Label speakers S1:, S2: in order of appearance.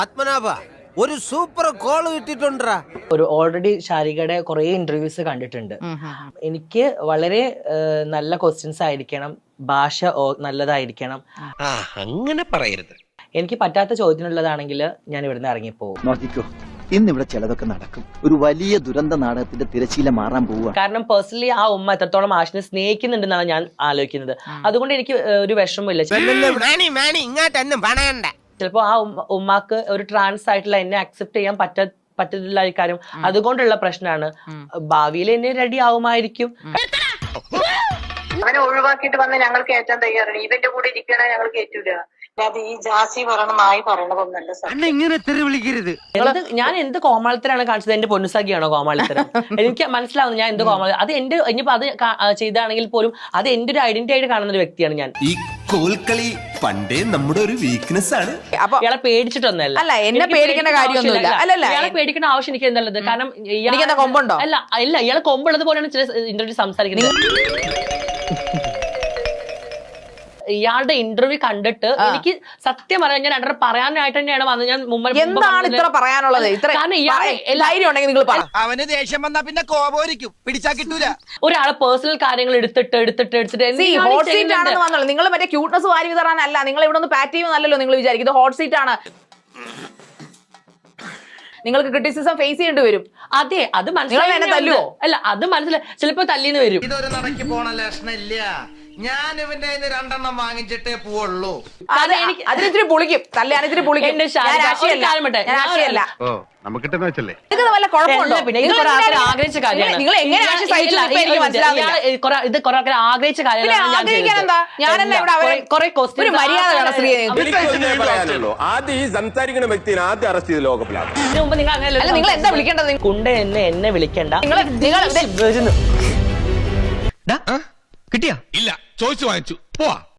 S1: പത്മനാഭ ഒരു super call കിട്ടിട്ടുണ്ടാ.
S2: ഒരു already ശാരികയുടെ കുറെ ഇന്റർവ്യൂസ് കണ്ടിട്ടുണ്ട്. എനിക്ക് വളരെ നല്ല ക്വസ്റ്റ്യൻസ് ആയിരിക്കണം, ഭാഷ നല്ലതായിരിക്കണം.
S1: അങ്ങനെ പറയരുത്.
S2: എനിക്ക് പറ്റാത്ത ചോദ്യത്തിനുള്ളതാണെങ്കിൽ ഞാൻ ഇവിടുന്ന് ഇറങ്ങിപ്പോകും.
S3: നോക്കിക്കോ, ഇന്നിവിടെ ചിലതൊക്കെ നടക്കും. ഒരു വലിയ ദുരന്ത നാടകത്തിന്റെ തിരശീല മാറാൻ പോവുക.
S2: കാരണം പേഴ്സണലി ആ ഉമ്മ എത്രത്തോളം ആഷിനെ സ്നേഹിക്കുന്നുണ്ടെന്നാണ് ഞാൻ ആലോചിക്കുന്നത്. അതുകൊണ്ട് എനിക്ക് ഒരു വിഷമമില്ല. ചിലപ്പോ ആ ഉമ്മാക്ക് ഒരു ട്രാൻസ് ആയിട്ടുള്ള എന്നെ അക്സെപ്റ്റ് ചെയ്യാൻ പറ്റത്തില്ല കാര്യം, അതുകൊണ്ടുള്ള പ്രശ്നമാണ്. ഭാവിയിൽ എന്നെ റെഡി ആവുമായിരിക്കും.
S4: അവനെ ഒഴിവാക്കിയിട്ട് വന്ന് ഞങ്ങൾ കയറ്റാൻ തയ്യാറാണ്. ഇവന്റെ കൂടെ ഇരിക്കണ ഞങ്ങൾ കയറ്റൂല. അത് ഈ ജാസി പറയണ നായി പറയണതൊന്നല്ല സാർ.
S2: ഞാൻ എന്ത് കോമാളിത്തരാണ് കാണിച്ചത്? എന്റെ പൊന്നുസാഖിയാണോ കോമാളിത്തരം? എനിക്ക് മനസ്സിലാവുന്നു ഞാൻ എന്ത് കോമാളി. അത് എന്റെ ഇനിയിപ്പോ അത് ചെയ്താണെങ്കിൽ പോലും അത് എന്റെ ഒരു ഐഡന്റിറ്റി ആയിട്ട് കാണുന്ന ഒരു വ്യക്തിയാണ് ഞാൻ.
S5: ഈ കോൽക്കളി പണ്ടേ നമ്മുടെ ഒരു വീക്ക്നെസ് ആണ്.
S2: ഇയാളെ പേടിച്ചിട്ടൊന്നല്ല.
S6: അല്ല, എന്നെ പേടിക്കേണ്ട കാര്യമൊന്നുമില്ല. അല്ലല്ല,
S2: ഇയാളെ പേടിക്കേണ്ട ആവശ്യം എനിക്ക് എന്തല്ലത്. കാരണം
S6: കൊമ്പുണ്ടോ?
S2: അല്ല ഇയാളെ കൊമ്പുള്ളത് പോലെയാണ് ചില ഇന്റർവ്യൂ സംസാരിക്കുന്നത്. ഇയാളുടെ ഇന്റർവ്യൂ കണ്ടിട്ട് എനിക്ക് സത്യം പറയാൻ ഞാൻ രണ്ടര പറയാനായിട്ട് തന്നെയാണ് വന്നത്. ഞാൻ
S6: എന്താണ് ഇത്ര പറയാനുള്ളത്?
S7: അവന് ദേഷ്യം വന്നാ പിന്നെ കോപോരിക്കും, പിടിച്ചാ കിട്ടൂല.
S2: ഒരാളെ പേഴ്സണൽ കാര്യങ്ങൾ എടുത്തിട്ട്
S6: ഹോട്ട് സീറ്റ് ആണെന്ന് വന്നല്ലോ. നിങ്ങൾ മറ്റേ ക്യൂട്ട്നസ് വാരി വിതറാനല്ല, നിങ്ങൾ ഇവിടെ ഒന്ന് പാറ്റ് ചെയ്യുമെന്നല്ലോ നിങ്ങൾ വിചാരിക്കും. ഇത് ഹോട്ട് സീറ്റ് ആണ്. നിങ്ങൾക്ക് ക്രിറ്റിസിസം ഫേസ് ചെയ്യേണ്ടി വരും.
S2: അതെ, അത് മനസ്സിലായി. അല്ല, അത് മനസ്സിലായി. ചിലപ്പോ തല്ലിന്ന് വരും.
S7: ഇതൊരു നടക്കി പോണ ലക്ഷണില്ല. ഞാൻ ഇവന്റെ രണ്ടെണ്ണം വാങ്ങിച്ചിട്ടേ പോവുള്ളൂ.
S6: അതിനിത്തിരി പൊളിക്കും. തല്ലാനിത്തിരി പൊളിക്കും. വല്ല കുഴപ്പമുണ്ടോ?
S2: പിന്നെ ഇത് കുറെ ആൾക്കാർ ആഗ്രഹിച്ച കാര്യമാണ്.
S6: നിങ്ങൾ എങ്ങനെ
S2: ഇത് കുറെ ആൾക്കാർ ആഗ്രഹിച്ച കാര്യമാണ്.
S6: ഒരു മര്യാദ വേണം സ്ത്രീ.
S8: ആദ്യം ഈ സംസാരിക്കുന്ന വ്യക്തിനെ ആദ്യം അറസ്റ്റ് ചെയ്ത് ലോകപ്പിലാണ്.
S2: ഇതിനു മുമ്പ് നിങ്ങൾ അങ്ങനെ
S6: നിങ്ങൾ എന്താ വിളിക്കേണ്ടത്?
S2: കുണ്ട എന്നെ വിളിക്കണ്ട.
S7: കിട്ടിയാ? ഇല്ല, ചോദിച്ചു വാങ്ങിച്ചു. പോവാ.